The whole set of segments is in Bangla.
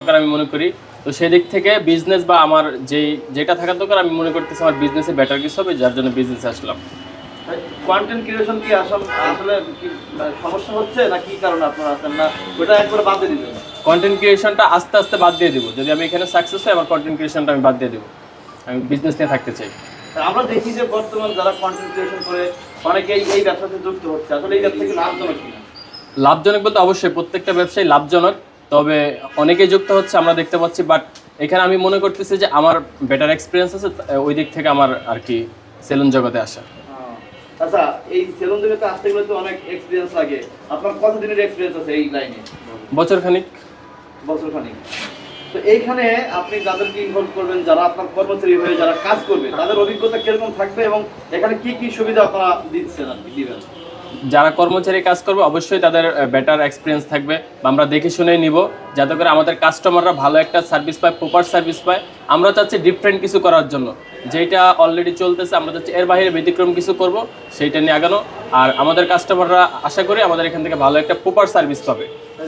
আমি মনে করি। তো সেই দিক থেকে বিজনেস বা আমার যেটা থাকার দরকার আমি মনে করতেছি আমার বিজনেসে বেটার কিছু হবে, যার জন্য বিজনেসে আসলাম। কন্টেন্ট ক্রিয়েশন কি আসলে কি সমস্যা হচ্ছে না কি কারণে আপনারা আছেন না ওটা একবার বাদ দিয়ে দিবেন? কন্টেন্ট ক্রিয়েশনটা আস্তে আস্তে বাদ দিয়ে দিব। যদি আমি এখানে সাকসেস হয় আমার কন্টেন্ট ক্রিয়েশনটা আমি বাদ দিয়ে দেবো। আমি বিজনেস নিয়ে থাকতে চাই। আমরা দেখি যে বর্তমান যারা কন্টেন্ট ক্রিয়েশন করে অনেকেই এই ব্যবসাতে যুক্ত হচ্ছে, আসলে এই ব্যবসা কি লাভজনক কিনা? লাভজনক বলতে অবশ্যই প্রত্যেকটা ব্যবসায় লাভজনক, তবে অনেকেই যুক্ত হচ্ছে আমরা দেখতে পাচ্ছি। বাট এখানে আমি মনে করতেছি যে আমার বেটার এক্সপিরিয়েন্স আছে, ওই দিক থেকে আমার আর কি সেলুন জগতে আসা। আচ্ছা, এই সেলুন জগতে আসতে গেলে তো অনেক এক্সপিরিয়েন্স লাগে। আপনার কতদিনের এক্সপিরিয়েন্স আছে এই লাইনে? বছরখানিক। বছরখানিক। তো এইখানে আপনি যাদেরকে ইনভলভ করবেন, যারা আপনার কর্মচারী হয়ে যারা কাজ করবে, তাদের অভিজ্ঞতা কিরকম থাকবে এবং এখানে কি কি সুবিধা আপনারা দিচ্ছেন আর কি দিবেন? যারা কর্মচারী কাজ করবে অবশ্যই তাদের বেটার এক্সপিরিয়েন্স থাকবে, বা আমরা দেখে শুনেই নিব যাতে করে আমাদের কাস্টমাররা ভালো একটা সার্ভিস পায়, প্রপার সার্ভিস পায়। আমরা চাচ্ছি ডিফারেন্ট কিছু করার জন্য, যেটা অলরেডি চলতেছে আমরা চাচ্ছি এর বাইরে ব্যতিক্রম কিছু করব, সেইটা নিয়ে আগানো। আর আমাদের কাস্টমাররা আশা করি আমাদের এখান থেকে ভালো একটা প্রপার সার্ভিস পাবে।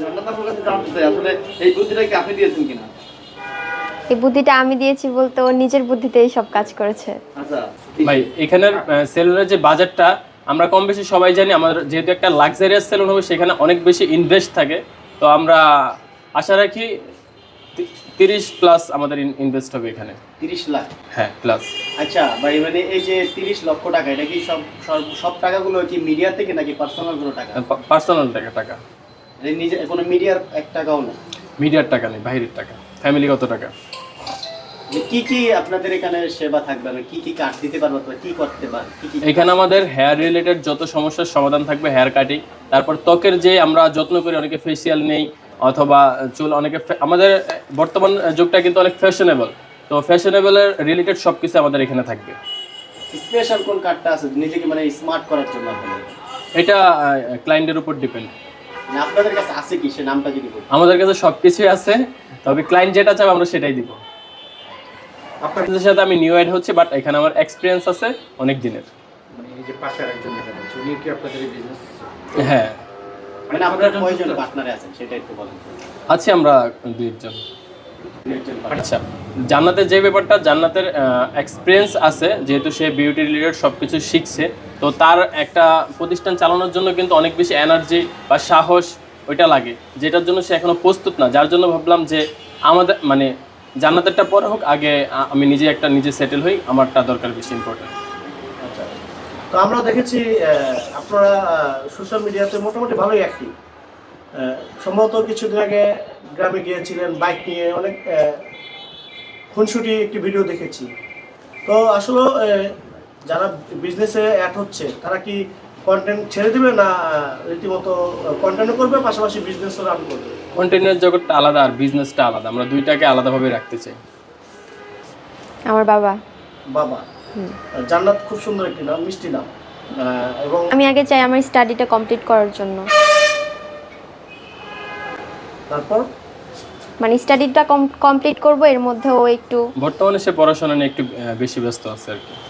আসলে এই বুদ্ধিটা কি আপনি দিয়েছেন কিনা? এই বুদ্ধিটা আমি দিয়েছি বলতে ও নিজের বুদ্ধিতেই সব কাজ করেছে। আচ্ছা ভাই, এখানের সেলুনের যে বাজারটা আমরা কম বেশি সবাই জানি। আমাদের যেহেতু একটা লাক্সারিয়াস সেলুন হবে সেখানে অনেক বেশি ইনভেস্ট থাকে। তো আমরা আশা রাখি 30+ আমাদের ইনভেস্ট হবে এখানে। 30 লাখ? হ্যাঁ, প্লাস। আচ্ছা ভাই, মানে এই যে 30 লক্ষ টাকা, এটা কি সব টাকাগুলো কি মিডিয়া থেকে নাকি পার্সোনাল কোনো টাকা? পার্সোনাল টাকা। নিজে কোনো মিডিয়ার 1 টাকাও না? মিডিয়ার টাকা নেই, বাইরের টাকা, ফ্যামিলিগত টাকা। কি কি আপনাদের এখানে সেবা থাকবে, কি কি কাট দিতে পারবো, কি করতে পার কি কি? এখানে আমাদের হেয়ার রিলেটেড যত সমস্যার সমাধান থাকবে, হেয়ার কাটিং, তারপর ত্বকের যে আমরা যত্ন করি, অনেকে ফেসিয়াল নেই অথবা চুল, অনেকে আমাদের বর্তমান যুগটা কিন্তু অনেক ফ্যাশনেবল, তো ফ্যাশনেবলের রিলেটেড সব কিছু আমাদের এখানে থাকবে। স্পেশাল কোন কার্ডটা আছে নিজেকে মানে স্মার্ট করার জন্য আপনাদের? এটা ক্লায়েন্টের উপর ডিপেন্ড। মানে আপনাদের কাছে আছে কি, সে নামটা যদি বলেন? আমাদের কাছে সব কিছুই আছে, তবে ক্লায়েন্ট যেটা চাবে আমরা সেটাই দিব। আপনাদের সাথে আমি নিউ অ্যাড হচ্ছে, বাট এখানে আমার এক্সপিরিয়েন্স আছে অনেক দিনের। মানে এই যে পাশের একজন ম্যাডাম আছে, উনি কি আপনাদের এই বিজনেস? হ্যাঁ। মানে আপনারা কয়জন পার্টনারে আছেন সেটা একটু বলেন। আছি আমরা 2 জন। আচ্ছা, জান্নাতের যে ব্যাপারটা, জান্নাতের এক্সপিরিয়েন্স আছে, যেহেতু সে বিউটি রিলেটেড সব কিছু শিখছে, তো তার একটা প্রতিষ্ঠান চালানোর জন্য কিন্তু অনেক বেশি এনার্জি বা সাহস ওইটা লাগে, যেটার জন্য সে এখনও প্রস্তুত না। যার জন্য ভাবলাম যে আমাদের মানে জান্নাতেরটা পরে হোক, আগে আমি নিজে সেটেল হই, আমারটা দরকার বেশি ইম্পর্টেন্ট। আচ্ছা, তো আমরা দেখেছি আপনারা সোশ্যাল মিডিয়াতে মোটামুটি ভালোই অ্যাক্টিভ। সম্ভবত কিছুদিন আগে গ্রামে গিয়েছিলেন বাইক নিয়ে, অনেক খুনসুটি একটি ভিডিও দেখেছি। তো আসলে যারা বিজনেসে অ্যাড হচ্ছে তারা কি কন্টেন্ট ছেড়ে দেবে না রীতিমতো কন্টেন্টও করবে, পাশাপাশি বিজনেসও রান করবে? কন্টেন্টের জগৎটা আলাদা আর বিজনেসটা আলাদা, আমরা দুইটাকে আলাদাভাবে রাখতে চাই। আমার বাবা। বাবা। জান্নাত খুব সুন্দর একটি নাম, মিষ্টি নাম। এবং আমি আগে চাই আমার স্টাডিটা কমপ্লিট করার জন্য। তারপর মানে স্টাডিটা কমপ্লিট করব, এর মধ্যে ও একটু বর্তমানে সে পড়াশোনা নিয়ে একটু বেশি ব্যস্ত আছে আর কি।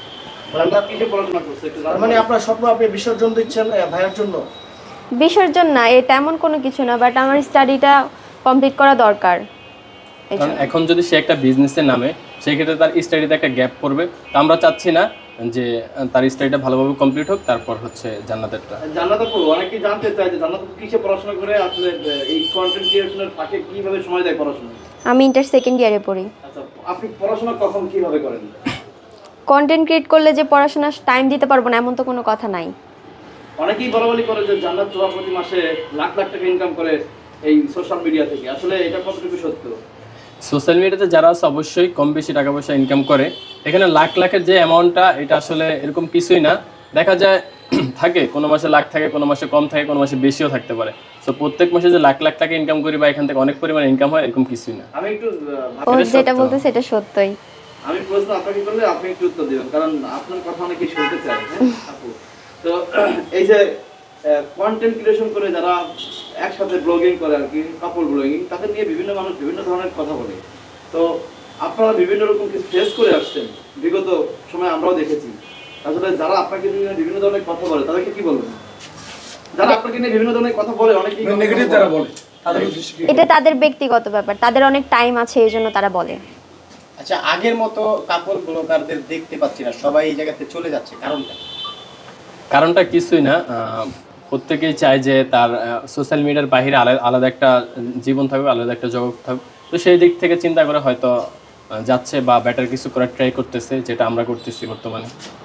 মানে আপনার স্বপ্ন আপনি বিসর্জন দিচ্ছেন ভাইয়ের জন্য? বিসর্জন না, এটা এমন কোনো কিছু না, বাট আমার স্টাডিটা কমপ্লিট করা দরকার। কারণ এখন যদি সে একটা বিজনেসে নামে, সেক্ষেত্রে তার স্টাডিতে একটা গ্যাপ পড়বে। তো আমরা চাচ্ছি না যে তার স্টাডিটা ভালোভাবে কমপ্লিট হোক, তারপর হচ্ছে জান্নাতেরটা। জান্নাতে পড়ো, অনেকেই জানতে চায় যে জান্নাতে কিসে পড়াশোনা করে, আসলে এই কন্টেন্ট ক্রিয়েশনের ফাঁকে কিভাবে সময় দেয় পড়াশোনা? আমি ইন্টার সেকেন্ড ইয়ারে পড়ি। আচ্ছা, আপনি পড়াশোনা কখন কিভাবে করেন? কন্টেন্ট ক্রিয়েট করলে যে পড়াশোনা টাইম দিতে পারবো না এমন তো কোনো কথা নাই। অনেকেই বলাবলি করে যে জান্নাত প্রতি মাসে লাখ লাখ টাকা ইনকাম করে এই সোশ্যাল মিডিয়া থেকে, আসলে এটা কতটুকু সত্য? সোশ্যাল মিডিয়াতে যারা আছে অবশ্যই কম বেশি টাকা পয়সা ইনকাম করে। এখানে লাখ লাখের যে অ্যামাউন্টটা, এটা আসলে এরকম কিছুই না। দেখা যায় থাকে কোনো মাসে লাখ থাকে, কোনো মাসে কম থাকে, কোনো মাসে বেশিও থাকতে পারে। তো প্রত্যেক মাসে যে লাখ লাখ টাকা ইনকাম করি বা এখান থেকে অনেক পরিমাণে ইনকাম হয়, এরকম কিছুই না। আমি একটু ও যেটা বলতে সেটা সত্যই। আমি প্রশ্ন আপনাকে করলে আপনি একটু উত্তর দিবেন, কারণ আপনার কথা অনেকেই শুনতে চায়। হ্যাঁ আপু, তো এই যে কন্টেন্ট ক্রিয়েশন করে যারা একসাথে ব্লগিং করে আর কি, কাপল ব্লগিং, তাদের নিয়ে বিভিন্ন মানুষ বিভিন্ন ধরনের কথা বলে। তো আপনারা বিভিন্ন রকম কিছু ফেস করে আসছেন বিগত সময়, আমরাও দেখেছি। আসলে যারা আপনাকে নিয়ে বিভিন্ন ধরনের কথা বলে তাদেরকে কি বলবেন? যারা আপনাকে নিয়ে বিভিন্ন ধরনের কথা বলে, অনেকেই নেগেটিভ যারা বলে, তাদের উদ্দেশ্যে কি এটা তাদের ব্যক্তিগত ব্যাপার, তাদের অনেক টাইম আছে এই জন্য তারা বলে। আচ্ছা, আগের মতো কাপল ব্লগারদের দেখতে পাচ্ছি না, সবাই এই জায়গাতে চলে যাচ্ছে, কারণটা? কারণটা কিছুই না, প্রত্যেকেই চায় যে তার সোশ্যাল মিডিয়ার বাইরে আলাদা একটা জীবন থাকবে, আলাদা একটা জগৎ থাকবে। তো সেই দিক থেকে চিন্তা করে হয়তো যাচ্ছে বা বেটার কিছু করার ট্রাই করতেছে, যেটা আমরা করতেছি বর্তমানে।